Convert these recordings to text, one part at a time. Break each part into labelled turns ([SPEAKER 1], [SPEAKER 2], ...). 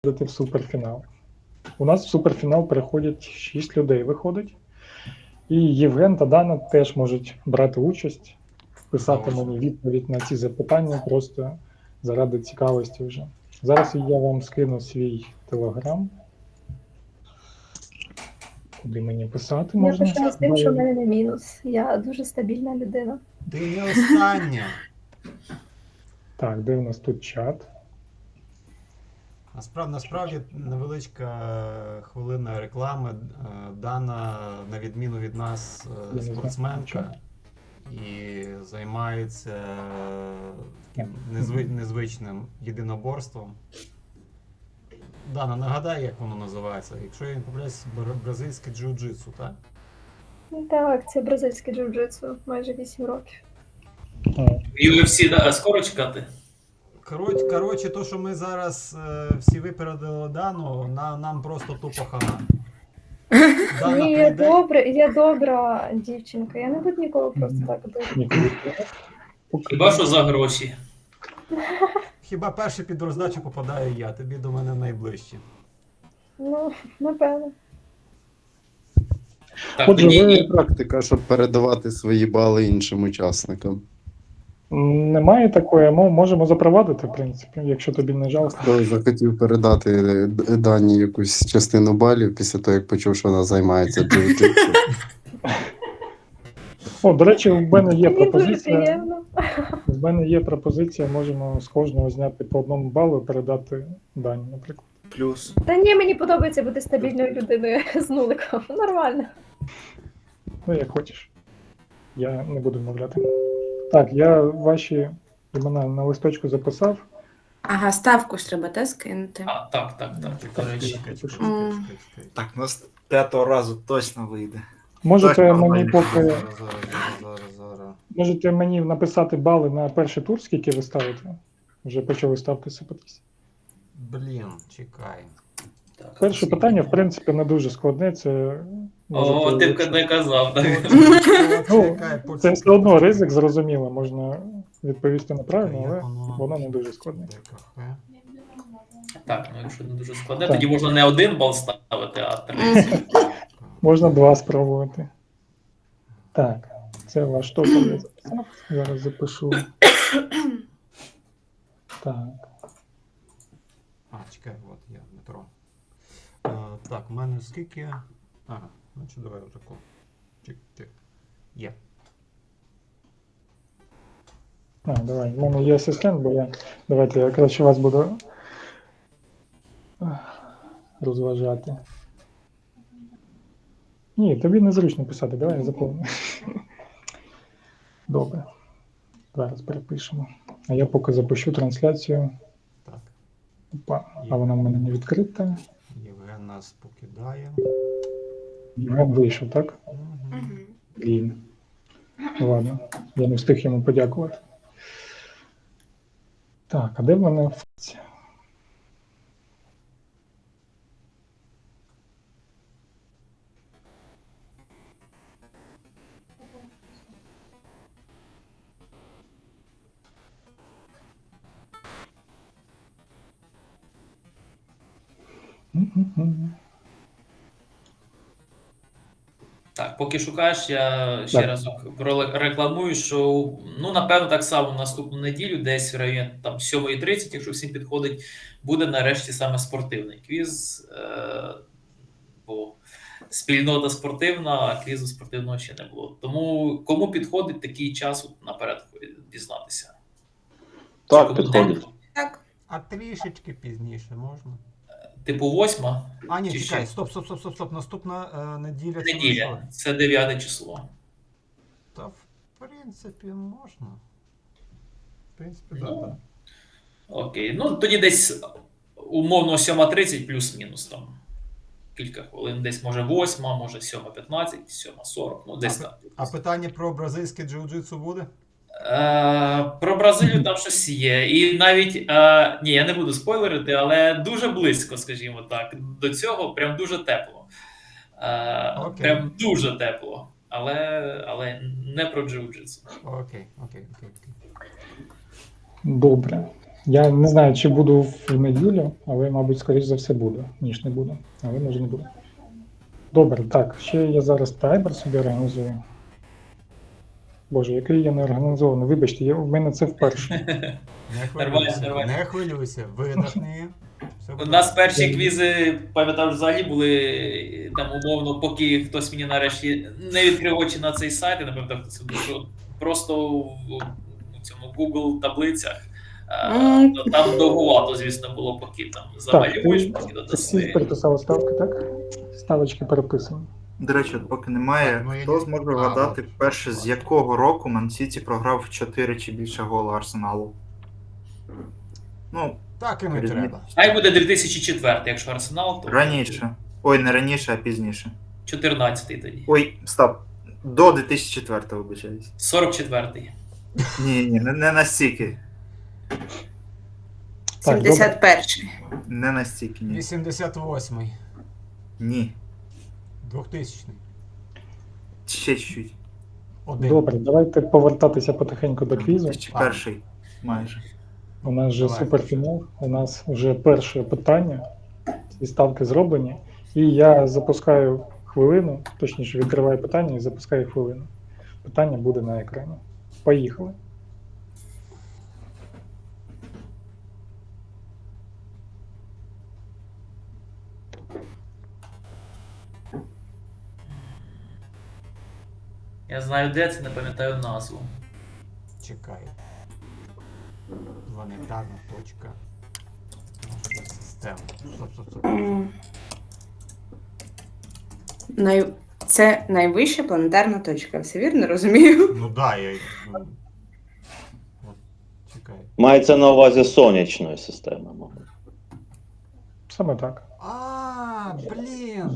[SPEAKER 1] в суперфінал. У нас в суперфінал переходять 6 людей, виходить. І Євген та Дана теж можуть брати участь, писати мені відповідь на ці запитання просто заради цікавості вже. Зараз я вам скину свій телеграм. Куди мені писати
[SPEAKER 2] Я
[SPEAKER 1] можна?
[SPEAKER 2] почала з тим, що в мене не мінус. Я дуже стабільна людина.
[SPEAKER 3] Ти не остання.
[SPEAKER 1] Так, де в нас тут чат?
[SPEAKER 3] Насправді невеличка хвилина реклами. Дана, на відміну від нас, спортсменка і займається незвичним єдиноборством. Дана, нагадай, як воно називається. Якщо я не помиляюсь, бразильське джиу-джитсу, так?
[SPEAKER 2] Так, це бразильське джиу-джитсу, майже 8 років.
[SPEAKER 4] UFC, да, скоро чекати?
[SPEAKER 3] Коротше, то, що ми зараз всі випередили Дану, нам просто тупо хана.
[SPEAKER 2] Ні, я добра дівчинка, я не буду нікого просто так бити.
[SPEAKER 4] Хіба що за гроші?
[SPEAKER 3] Хіба перший під роздачу попадаю я, тобі до мене найближче.
[SPEAKER 2] Ну, напевно.
[SPEAKER 4] Так,
[SPEAKER 1] Отже,
[SPEAKER 4] тоді
[SPEAKER 5] Практика, щоб передавати свої бали іншим учасникам.
[SPEAKER 1] Немає такої, ми можемо запровадити, в принципі, якщо тобі не жалко.
[SPEAKER 5] Хто захотів передати Дані якусь частину балів після того, як почув, що вона займається джиу-джитсу.
[SPEAKER 1] О, до речі, в мене є
[SPEAKER 2] Мені дуже
[SPEAKER 1] пропозиція.
[SPEAKER 2] приємно.
[SPEAKER 1] В мене є пропозиція, можемо з кожного зняти по одному балу і передати Дані, наприклад.
[SPEAKER 6] Плюс.
[SPEAKER 2] Та ні, мені подобається бути стабільною людиною з нуликом. Нормально.
[SPEAKER 1] Ну, як хочеш. Я не буду вмовляти. Так, я ваші імена на листочку записав.
[SPEAKER 7] Ага, ставку ж треба, та, скинути.
[SPEAKER 4] так, до речі.
[SPEAKER 3] Чекай.
[SPEAKER 6] Так, у нас 5-го разу точно вийде.
[SPEAKER 1] Можете
[SPEAKER 6] Так,
[SPEAKER 1] мені
[SPEAKER 6] нормально.
[SPEAKER 1] поки
[SPEAKER 3] Зараз.
[SPEAKER 1] можете мені написати бали на перший тур, скільки ви ставите. Вже почали ставки сипатись.
[SPEAKER 3] Блін, чекай.
[SPEAKER 4] Так,
[SPEAKER 1] Перше питання, в принципі, не дуже складне. Це
[SPEAKER 4] О, ти б не казав, так.
[SPEAKER 3] Почекай,
[SPEAKER 1] це все одно ризик, зрозуміло, можна відповісти неправильно,
[SPEAKER 3] Як
[SPEAKER 1] але воно не дуже складне.
[SPEAKER 3] ДКХ.
[SPEAKER 4] Так, ну якщо не дуже складне,
[SPEAKER 1] Так.
[SPEAKER 4] тоді можна не 1 бал ставити, а 3.
[SPEAKER 1] Можна 2 спробувати. Так, це ваш топ, я записав. Зараз запишу. Так.
[SPEAKER 3] Чекай, от я, Дмитро. Так, у мене скільки? Ага, значить давай отако. Чик. Є.
[SPEAKER 1] Давай, в мене є асистент, бо давайте я краще вас буду розважати. Ні, тобі незручно писати, давай я заповню. Добре. Зараз перепишемо. А я поки запишу трансляцію.
[SPEAKER 3] Так.
[SPEAKER 1] Опа, а вона в мене не відкрита.
[SPEAKER 3] Євген нас покидає.
[SPEAKER 1] Євген вийшов, так?
[SPEAKER 3] Мгм.
[SPEAKER 1] Блін. Ладно, я не встиг йому подякувати. Так, а де в мене функція?
[SPEAKER 4] Так, поки шукаєш, я ще
[SPEAKER 1] Так.
[SPEAKER 4] раз рекламую, що напевно так само наступну неділю, десь в районі там 7:30, якщо всім підходить, буде нарешті саме спортивний квіз. Бо спільнота спортивна, а квізу спортивного ще не було. Тому кому підходить такий час наперед дізнатися?
[SPEAKER 6] Так,
[SPEAKER 4] Чи
[SPEAKER 6] підходить.
[SPEAKER 7] Так.
[SPEAKER 3] А трішечки пізніше можна?
[SPEAKER 4] Типу 8?
[SPEAKER 3] А, ні,
[SPEAKER 4] Чи
[SPEAKER 3] чекай,
[SPEAKER 4] ще?
[SPEAKER 3] стоп. Наступна неділя. це
[SPEAKER 4] Неділя.
[SPEAKER 3] що?
[SPEAKER 4] Це 9 число.
[SPEAKER 3] Та, в принципі, можна. В принципі, так.
[SPEAKER 4] Ну, окей. Ну, тоді десь умовно 7:30 плюс-мінус там. Кілька хвилин. Десь може 8, може 7:15, 7:40, ну десь так.
[SPEAKER 3] А питання про бразильське джиу-джитсу буде?
[SPEAKER 4] Про Бразилію там щось є. І навіть, ні, я не буду спойлерити, але дуже близько, скажімо так. До цього прям дуже тепло.
[SPEAKER 3] Окей.
[SPEAKER 4] Прям дуже тепло. Але не про джиу-джитсу.
[SPEAKER 3] Окей.
[SPEAKER 1] Добре. Я не знаю, чи буду в неділю, але, мабуть, скоріш за все буду, ніж не буду. Але може не буду. Добре, так, ще я зараз таймер собі організую. Боже, який я не організований. Вибачте, в мене це вперше.
[SPEAKER 3] Не
[SPEAKER 4] Нормально,
[SPEAKER 3] хвилюйся,
[SPEAKER 4] нормально.
[SPEAKER 3] не хвилюйся, видихни. Все
[SPEAKER 4] У
[SPEAKER 3] буде
[SPEAKER 4] нас перші квізи, пам'ятаю, взагалі були там умовно, поки хтось мені нарешті не відкрив очі на цей сайт, я не пам'ятаю, хто це був, що просто в цьому Google таблицях то там довгувато, звісно, було, поки там замалюєш, поки
[SPEAKER 1] Всі
[SPEAKER 4] додаси.
[SPEAKER 1] переписали ставки, так? Ставочки переписані.
[SPEAKER 6] До речі, от поки немає,
[SPEAKER 3] Так, ну, я
[SPEAKER 6] хто
[SPEAKER 3] не-
[SPEAKER 6] зможе
[SPEAKER 3] А,
[SPEAKER 6] вгадати
[SPEAKER 3] от.
[SPEAKER 6] перше, з якого року Ман Сіті програв 4 чи більше гола Арсеналу? Ну,
[SPEAKER 3] Так і не
[SPEAKER 6] Різниця.
[SPEAKER 3] треба.
[SPEAKER 4] Хай буде 2004, якщо Арсенал, то
[SPEAKER 6] раніше. Ой, не раніше, а пізніше.
[SPEAKER 4] 14-й тоді.
[SPEAKER 6] Ой, стоп. До 2004-го, вибачаюсь.
[SPEAKER 4] 44-й.
[SPEAKER 6] Ні, не настільки.
[SPEAKER 1] Так, добре.
[SPEAKER 7] 71-й.
[SPEAKER 6] Не настільки, ні.
[SPEAKER 3] 88-й,
[SPEAKER 6] Ні.
[SPEAKER 3] 2000-й,
[SPEAKER 6] Ще чуть-чуть.
[SPEAKER 3] один.
[SPEAKER 1] Добре, давайте повертатися потихеньку до квізу.
[SPEAKER 6] 2001 майже.
[SPEAKER 1] У нас вже
[SPEAKER 3] Давай.
[SPEAKER 1] суперфінал, у нас вже перше питання, ці ставки зроблені. І я запускаю хвилину, точніше відкриваю питання і запускаю хвилину. Питання буде на екрані. Поїхали.
[SPEAKER 4] Я знаю, де це, не пам'ятаю назву.
[SPEAKER 3] Чекай. Планетарна точка. Може, система. Стоп.
[SPEAKER 7] Це найвища планетарна точка, все вірно розумію?
[SPEAKER 3] Ну да, я. Ну, от, чекай.
[SPEAKER 8] Мається на увазі сонячної системи, мабуть.
[SPEAKER 1] Саме так.
[SPEAKER 3] А, блін!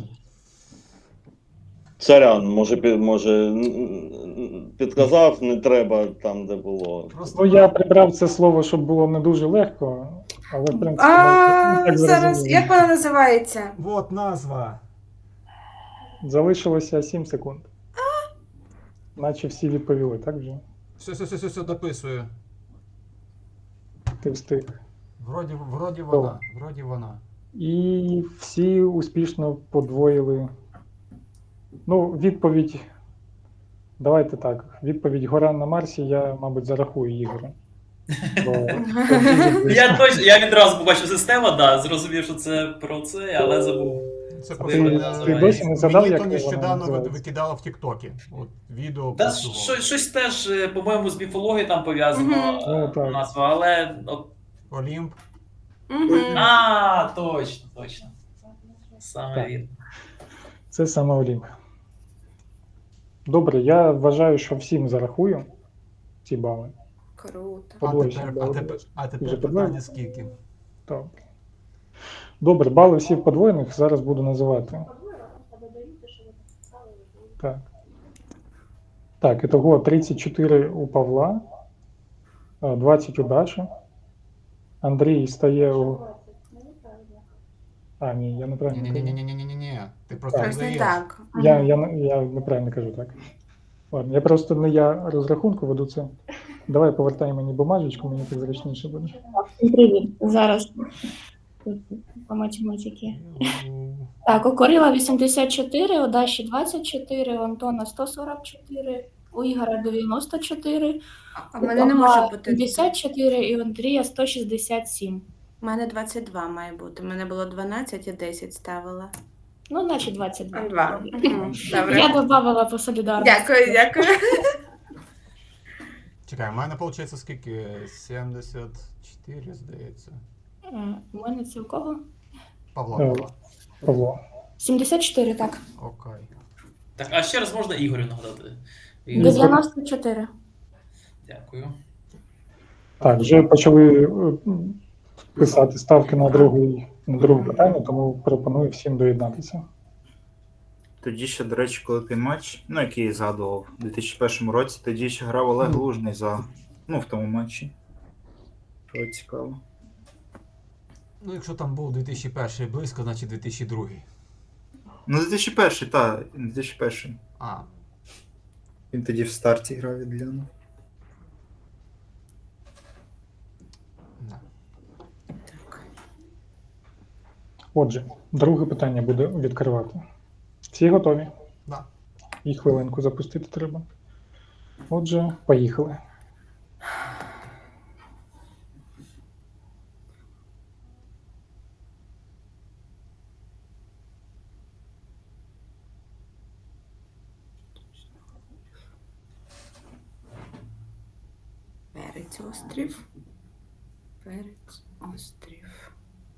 [SPEAKER 8] Сорян, може підказав, не треба там, де було.
[SPEAKER 3] Просто
[SPEAKER 1] Ну, я прибрав це слово, щоб було не дуже легко, але в принципі так
[SPEAKER 7] Зараз,
[SPEAKER 1] зрозуміло.
[SPEAKER 7] як вона називається?
[SPEAKER 3] Вот назва.
[SPEAKER 1] Залишилося 7 секунд. Наче всі відповіли, так вже?
[SPEAKER 3] Все, дописую.
[SPEAKER 1] Ти встиг.
[SPEAKER 3] Вроді вона.
[SPEAKER 1] І всі успішно подвоїли. Ну, відповідь. Давайте так. Відповідь Гора на Марсі я, мабуть, зарахую Ігорю.
[SPEAKER 4] Я відразу побачив систему, да, зрозумів, що це про це, але забув.
[SPEAKER 3] Це
[SPEAKER 1] Ти досі не згадав,
[SPEAKER 3] мені
[SPEAKER 1] як
[SPEAKER 3] то
[SPEAKER 1] вона
[SPEAKER 3] нещодавно
[SPEAKER 1] називається?
[SPEAKER 3] викидало в Тіктокі. От відео
[SPEAKER 4] Та
[SPEAKER 3] про цього.
[SPEAKER 4] щось теж, по-моєму, з міфологією там пов'язано
[SPEAKER 1] Ну, так.
[SPEAKER 4] назва, але.
[SPEAKER 3] Олімп.
[SPEAKER 4] Точно. Саме
[SPEAKER 1] Так.
[SPEAKER 4] він.
[SPEAKER 1] Це саме Олімп. Добре, я вважаю, що всім зарахую ці бали.
[SPEAKER 7] Круто.
[SPEAKER 1] Подвоєчні бали.
[SPEAKER 3] А
[SPEAKER 1] Вже
[SPEAKER 3] тепер
[SPEAKER 1] подвоїв?
[SPEAKER 3] питання скільки?
[SPEAKER 1] Добре. Добре, бали всіх подвоєних зараз буду називати. Так. Так, ітого 34 у Павла, 20 у Даші. Андрій стає у. А, ні, я неправильно кажу.
[SPEAKER 3] Ні. Ти просто
[SPEAKER 1] Так.
[SPEAKER 7] Ось не
[SPEAKER 3] даєш.
[SPEAKER 7] так.
[SPEAKER 1] Я неправильно кажу, так. Ладно, я просто не я розрахунку веду це. Давай повертай мені бумажечку, мені так зручніше буде.
[SPEAKER 9] Привіт. Зараз по математиці. Так, у Корила 84, у Даші 24, у Антона 144, у Ігора 94,
[SPEAKER 7] А в
[SPEAKER 9] у
[SPEAKER 7] мене не
[SPEAKER 9] Павла
[SPEAKER 7] може бути.
[SPEAKER 9] 54 і у Андрія 167.
[SPEAKER 7] У мене 22 має бути. У мене було 12 і 10 ставила.
[SPEAKER 9] Ну, наче 22.
[SPEAKER 7] 2.
[SPEAKER 9] Я
[SPEAKER 7] Добре.
[SPEAKER 9] додавала по солідарності.
[SPEAKER 7] Дякую.
[SPEAKER 3] Чекай, у мене виходить скільки? 74, здається.
[SPEAKER 9] У мене це у кого?
[SPEAKER 3] Павла.
[SPEAKER 1] Павло.
[SPEAKER 9] 74, так.
[SPEAKER 3] Окей.
[SPEAKER 4] Так, а ще раз можна Ігорю нагадати?
[SPEAKER 1] Ігор.
[SPEAKER 9] 94.
[SPEAKER 4] Дякую.
[SPEAKER 1] Так, вже почали писати ставки на друге питання, тому пропоную всім доєднатися.
[SPEAKER 6] Тоді ще, до речі, коли той матч, ну який я згадував, у 2001 році, тоді ще грав Олег Лужний в тому матчі. Що цікаво.
[SPEAKER 3] Ну, якщо там був 2001 близько, значить 2002.
[SPEAKER 6] Ну, 2001, так, 2001.
[SPEAKER 3] А,
[SPEAKER 6] Він тоді в старті грав від Ляну.
[SPEAKER 3] да.
[SPEAKER 1] Отже, друге питання буде відкривати. Всі готові?
[SPEAKER 3] Да.
[SPEAKER 1] І хвилинку запустити треба. Отже, поїхали.
[SPEAKER 7] Перець острів. Перець острів.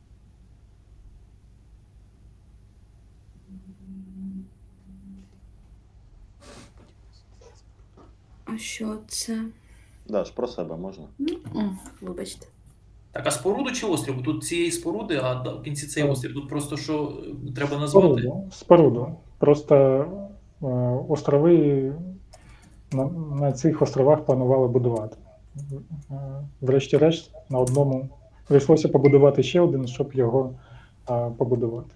[SPEAKER 7] А що це?
[SPEAKER 8] Даш, про себе можна.
[SPEAKER 7] Вибачте.
[SPEAKER 4] Так, а споруду чи острів? Тут цієї споруди, а в кінці цей острів. Тут просто що треба назвати?
[SPEAKER 1] Споруду. Просто острови на цих островах планували будувати. Врешті-решт, на одному прийшлося побудувати ще один, щоб його побудувати.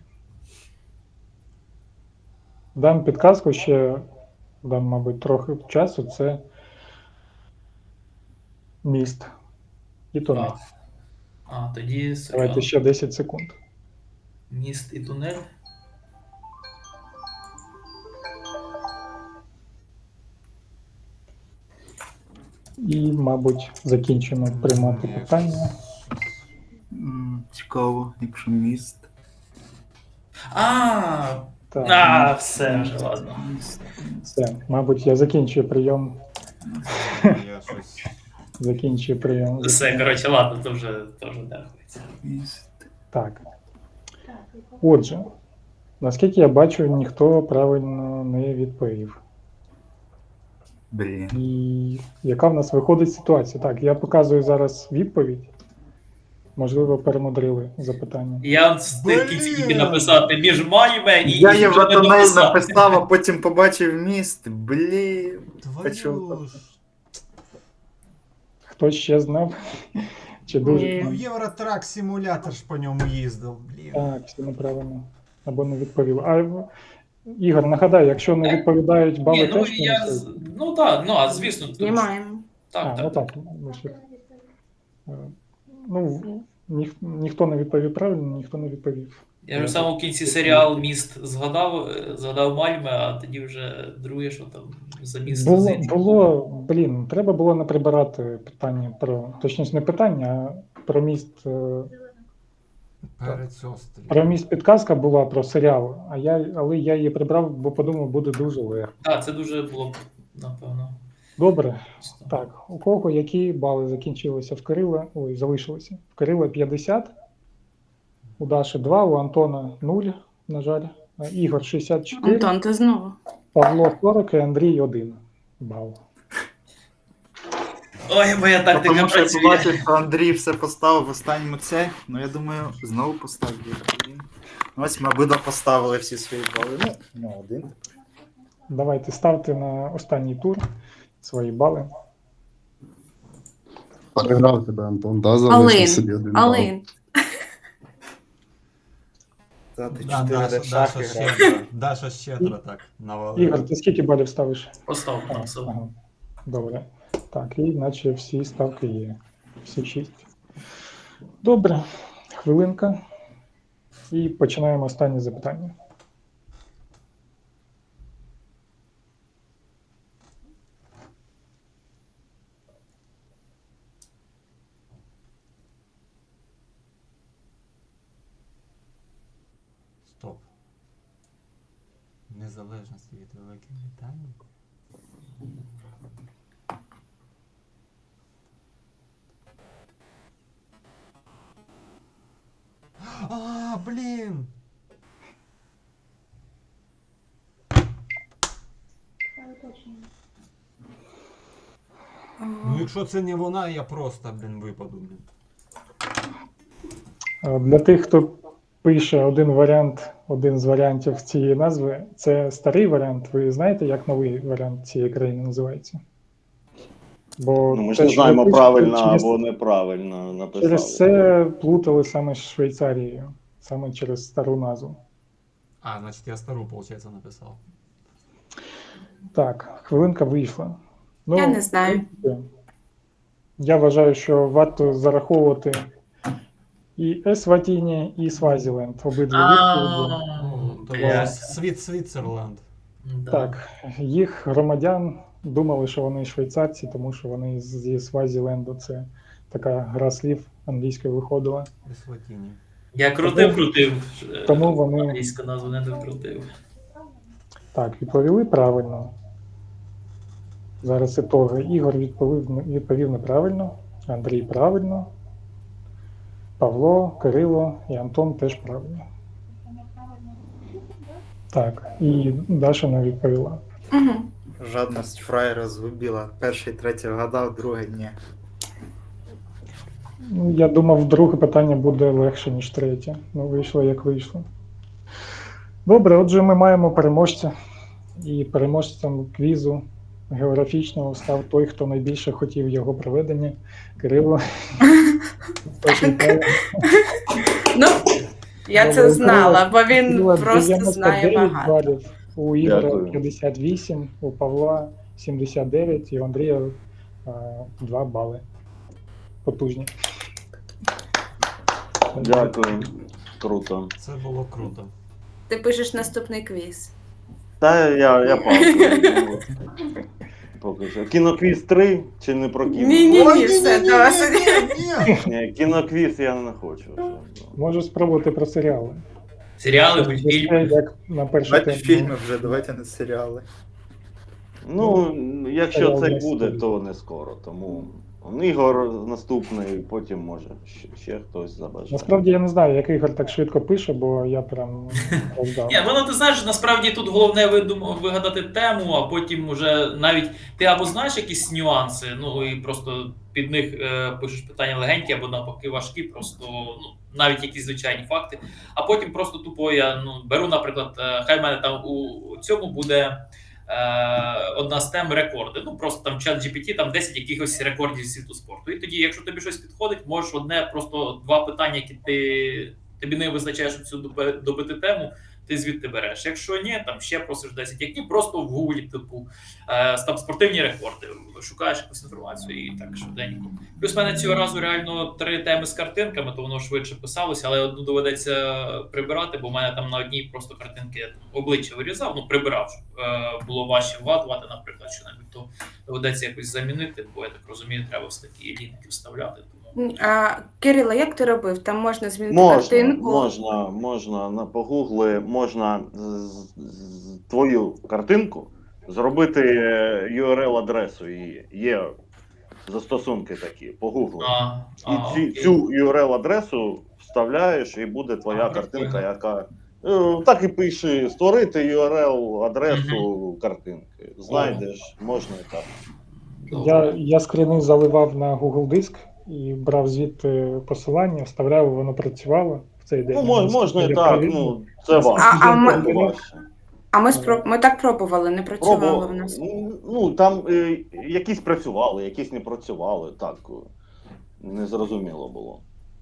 [SPEAKER 1] Дам підказку ще, дам, мабуть, трохи часу, це міст і тунель.
[SPEAKER 4] Тоді
[SPEAKER 1] Давайте ще 10 секунд.
[SPEAKER 4] міст і тунель.
[SPEAKER 1] І, мабуть, закінчимо приймати питання.
[SPEAKER 6] Цікаво, якщо міст.
[SPEAKER 1] Так,
[SPEAKER 4] Все вже, ладно.
[SPEAKER 1] все. Мабуть, я закінчую прийом.
[SPEAKER 3] Я щось.
[SPEAKER 1] Закінчую прийом.
[SPEAKER 4] Все, коротше, ладно, то вже дякується.
[SPEAKER 6] Міст.
[SPEAKER 1] Так. Отже, наскільки я бачу, ніхто правильно не відповів.
[SPEAKER 6] Блін.
[SPEAKER 1] І яка в нас виходить ситуація? Так, я показую зараз відповідь. Можливо, перемудрили запитання.
[SPEAKER 4] Я встиг в кінці тільки написати між майме і
[SPEAKER 6] Я
[SPEAKER 4] ще не
[SPEAKER 6] Євротонель
[SPEAKER 4] написав.
[SPEAKER 6] написав, а потім побачив міст. Блін.
[SPEAKER 3] Твою ж.
[SPEAKER 1] Хтось ще знав? Чи дуже?
[SPEAKER 3] Ну, Євротрак симулятор ж по ньому їздив, блін.
[SPEAKER 1] Так, всі неправильно. Або не відповіли. Ігор, нагадай, якщо не відповідають, бали
[SPEAKER 4] Ні, ну
[SPEAKER 1] теж
[SPEAKER 4] я.
[SPEAKER 1] мінусують?
[SPEAKER 4] Ну так, ну а звісно. тут-
[SPEAKER 7] Знімаємо.
[SPEAKER 4] Так,
[SPEAKER 1] Ну
[SPEAKER 4] так.
[SPEAKER 1] так. Ну, ніхто не відповів правильно, ніхто не відповів.
[SPEAKER 4] Я вже в самому кінці серіал Міст згадав Мальме, а тоді вже друге, що там за місто
[SPEAKER 1] Блін, треба було не прибирати питання точніше, не питання, а про міст.
[SPEAKER 3] Перець острів.
[SPEAKER 1] Про міст підказка була про серіал, але я її прибрав, бо подумав, буде дуже легко.
[SPEAKER 4] Так, це дуже було б, напевно.
[SPEAKER 1] Добре. Так, у кого які бали закінчилися в Кирила? Ой, залишилися. В Кирила 50, у Даші 2, у Антона 0, на жаль. Ігор 64,
[SPEAKER 7] Антон, ти знову.
[SPEAKER 1] Павло 40 і Андрій 1 бал.
[SPEAKER 4] Ой, моя тактика
[SPEAKER 6] Тому що я
[SPEAKER 4] працює.
[SPEAKER 6] побачив, що Андрій все поставив в останньому це. Ну я думаю, знову поставлю. Ось ми обидва поставили всі свої бали. Ну, один.
[SPEAKER 1] Давайте ставте на останній тур свої бали.
[SPEAKER 5] Переграв тебе, Антон, да, залишив собі один бал.
[SPEAKER 7] Алин.
[SPEAKER 6] Та ти
[SPEAKER 3] Да,
[SPEAKER 6] 4
[SPEAKER 3] Даша
[SPEAKER 6] шахи грав.
[SPEAKER 3] щедро, Даша щедро так навалила.
[SPEAKER 1] Ігор, ти скільки балів ставиш?
[SPEAKER 4] Постав там все.
[SPEAKER 1] Ага. Добре. Так, і наче всі ставки є. Всі 6. Добре. Хвилинка. І починаємо останнє запитання.
[SPEAKER 3] Стоп. Незалежності від Великої Британії. Блін! Ну якщо це не вона, я просто, випаду,
[SPEAKER 1] Для тих, хто пише один з варіантів цієї назви, це старий варіант. Ви знаєте, як новий варіант цієї країни називається? Бо
[SPEAKER 8] Ну, ми ж
[SPEAKER 1] те,
[SPEAKER 8] не
[SPEAKER 1] що
[SPEAKER 8] знаємо,
[SPEAKER 1] ви пишете,
[SPEAKER 8] правильно
[SPEAKER 1] через-
[SPEAKER 8] або неправильно написали.
[SPEAKER 1] Через це плутали саме з Швейцарією, саме через стару назву.
[SPEAKER 3] значить я стару, виходить, написав.
[SPEAKER 1] Так, хвилинка вийшла. Ну,
[SPEAKER 7] Я не знаю.
[SPEAKER 1] Я вважаю, що варто зараховувати І Есватіні, і Свазіленд. Обидві відповіді.
[SPEAKER 3] Ну, то
[SPEAKER 4] Блядь.
[SPEAKER 3] Свіцерленд.
[SPEAKER 4] Да.
[SPEAKER 1] Так, їх громадян думали, що вони швейцарці, тому що вони зі Свазіленду. Це така гра слів англійською виходила.
[SPEAKER 3] Есватіні.
[SPEAKER 4] Я крутив.
[SPEAKER 1] Тому вони-
[SPEAKER 4] Англійську назву не докрутив.
[SPEAKER 1] Так, відповіли правильно. Зараз ітоги. Ігор відповів неправильно, Андрій правильно, Павло, Кирило і Антон теж правильно. Так, і Даша не відповіла.
[SPEAKER 9] Угу.
[SPEAKER 6] Жадність фраєра згубила. Перший, третій вгадав, другий ні.
[SPEAKER 1] Ну, я думав, друге питання буде легше, ніж третє. Ну, вийшло, як вийшло. Добре, отже, ми маємо переможця. І переможцем квізу географічного став той, хто найбільше хотів його проведення. Кирило. Хтось вітає.
[SPEAKER 7] Ну, я
[SPEAKER 1] Добре,
[SPEAKER 7] це знала, бо він
[SPEAKER 1] Кирило
[SPEAKER 7] просто
[SPEAKER 1] 99
[SPEAKER 7] знає багато.
[SPEAKER 1] балів, у Ігоря
[SPEAKER 8] Дякую.
[SPEAKER 1] 58, у Павла 79 і у Андрія 2 бали. Потужні.
[SPEAKER 8] Дякую. Круто.
[SPEAKER 3] Це було круто.
[SPEAKER 7] Ти пишеш наступний квіз.
[SPEAKER 8] Та я паузу. Поки що. Кіноквіз 3 чи не про кіно?
[SPEAKER 7] Ні, все, досить.
[SPEAKER 8] Ні, кіноквіз я не хочу.
[SPEAKER 1] Можу спробувати про серіали.
[SPEAKER 4] Серіали, мультфільми.
[SPEAKER 1] Як на першу
[SPEAKER 6] Давайте
[SPEAKER 1] тему.
[SPEAKER 6] фільми вже, давайте не серіали.
[SPEAKER 8] Ну, якщо
[SPEAKER 1] серіал
[SPEAKER 8] це
[SPEAKER 1] не
[SPEAKER 8] буде,
[SPEAKER 1] стоїть.
[SPEAKER 8] то не скоро. Тому Ігор наступний, потім може ще хтось забажає.
[SPEAKER 1] Насправді я не знаю, як Ігор так швидко пише, бо я прям роздав.
[SPEAKER 4] Ні, ну ти знаєш, насправді тут головне вигадати тему, а потім уже навіть ти або знаєш якісь нюанси, ну і просто під них пишеш питання легенькі або навпаки важкі, просто ну, навіть якісь звичайні факти. А потім просто тупо я беру, наприклад, хай в мене там у цьому буде одна з тем рекорди. Ну просто там чат GPT, там 10 якихось рекордів світу спорту. І тоді, якщо тобі щось підходить, можеш просто 2 питання, які тобі не визначаєш цю добити тему, ти звідти береш. Якщо ні, там ще просиш 10, які просто в гуглі, типу, там спортивні рекорди, шукаєш якусь інформацію і так швиденько. Плюс в мене цього разу реально 3 теми з картинками, то воно швидше писалося, але одну доведеться прибирати, бо в мене там на одній просто картинки я там обличчя вирізав, прибирав, щоб було важче вгадувати, наприклад, що-небудь, то доведеться якось замінити, бо я так розумію, треба все такі лінки вставляти.
[SPEAKER 7] Кирило, як ти робив? Там можна змінити картинку?
[SPEAKER 8] Можна погугли, можна твою картинку зробити URL-адресу її. Є застосунки такі, погугли. І цю URL-адресу вставляєш, і буде твоя картинка, яка... Так і пиши, створити URL-адресу картинки. Знайдеш, можна і так.
[SPEAKER 1] Я скріни заливав на Google Диск і брав звідти посилання, вставляв, воно працювало в цей день.
[SPEAKER 8] Ну, можна і так, це важче.
[SPEAKER 7] Ми так пробували, не працювало в нас.
[SPEAKER 8] Ну, там якісь працювали, якісь не працювали, так, незрозуміло було.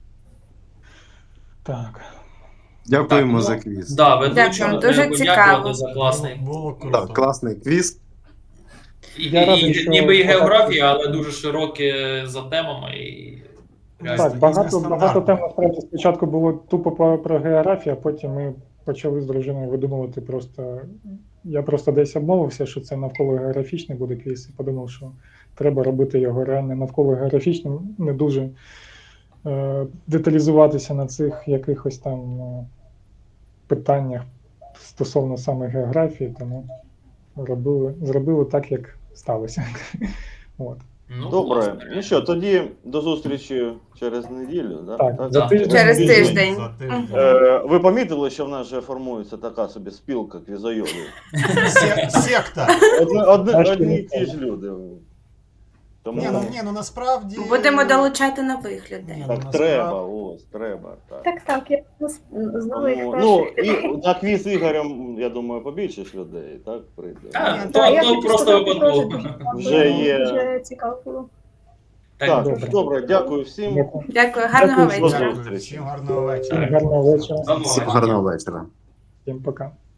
[SPEAKER 1] Так.
[SPEAKER 5] Дякуємо за квіз.
[SPEAKER 4] Да, ведучому
[SPEAKER 7] Дякую, дуже
[SPEAKER 4] треба
[SPEAKER 7] цікаво.
[SPEAKER 4] подякувати за класний.
[SPEAKER 3] Було круто.
[SPEAKER 5] Так, класний квіз.
[SPEAKER 1] Я радий, що
[SPEAKER 4] Ніби і
[SPEAKER 1] багато-
[SPEAKER 4] географія, але дуже широке за темами. І...
[SPEAKER 1] Так, багато тем насправді спочатку було тупо про географію, а потім ми почали з дружиною видумувати просто. Я просто десь обмовився, що це навколо географічний буде квіз, і подумав, що треба робити його реально навколо географічним, не дуже деталізуватися на цих якихось там питаннях стосовно саме географії, тому зробили так, як сталося. От.
[SPEAKER 8] Добре,
[SPEAKER 4] власне,
[SPEAKER 8] ну що, тоді до зустрічі через неділю, да?
[SPEAKER 1] Так, за тиждень.
[SPEAKER 7] Через тиждень.
[SPEAKER 3] За тиждень.
[SPEAKER 8] Ви помітили, що в нас вже формується така собі спілка квізойодів?
[SPEAKER 3] Секта.
[SPEAKER 8] Одні і ті ж люди. Тому
[SPEAKER 3] Ну насправді...
[SPEAKER 7] Будемо долучати нових людей.
[SPEAKER 8] так треба, треба. Так.
[SPEAKER 2] Так, я знову їх
[SPEAKER 8] Ну,
[SPEAKER 2] прошу.
[SPEAKER 8] і на квіз з Ігорем, я думаю, побільше ж людей, так, прийде.
[SPEAKER 4] Так,
[SPEAKER 2] Так, я
[SPEAKER 4] то
[SPEAKER 2] хочу
[SPEAKER 4] просто
[SPEAKER 2] сказати,
[SPEAKER 4] випадково.
[SPEAKER 2] дуже
[SPEAKER 8] Вже є.
[SPEAKER 2] Вже цікаво було.
[SPEAKER 8] Так,
[SPEAKER 1] добре.
[SPEAKER 8] добре, дякую всім.
[SPEAKER 1] Дякую.
[SPEAKER 7] Дякую, гарного
[SPEAKER 1] Дякую,
[SPEAKER 7] вечора.
[SPEAKER 3] Дякую. Всім гарного вечора.
[SPEAKER 1] Гарного вечора.
[SPEAKER 4] Замовлення.
[SPEAKER 5] Всім гарного вечора.
[SPEAKER 1] Всім пока.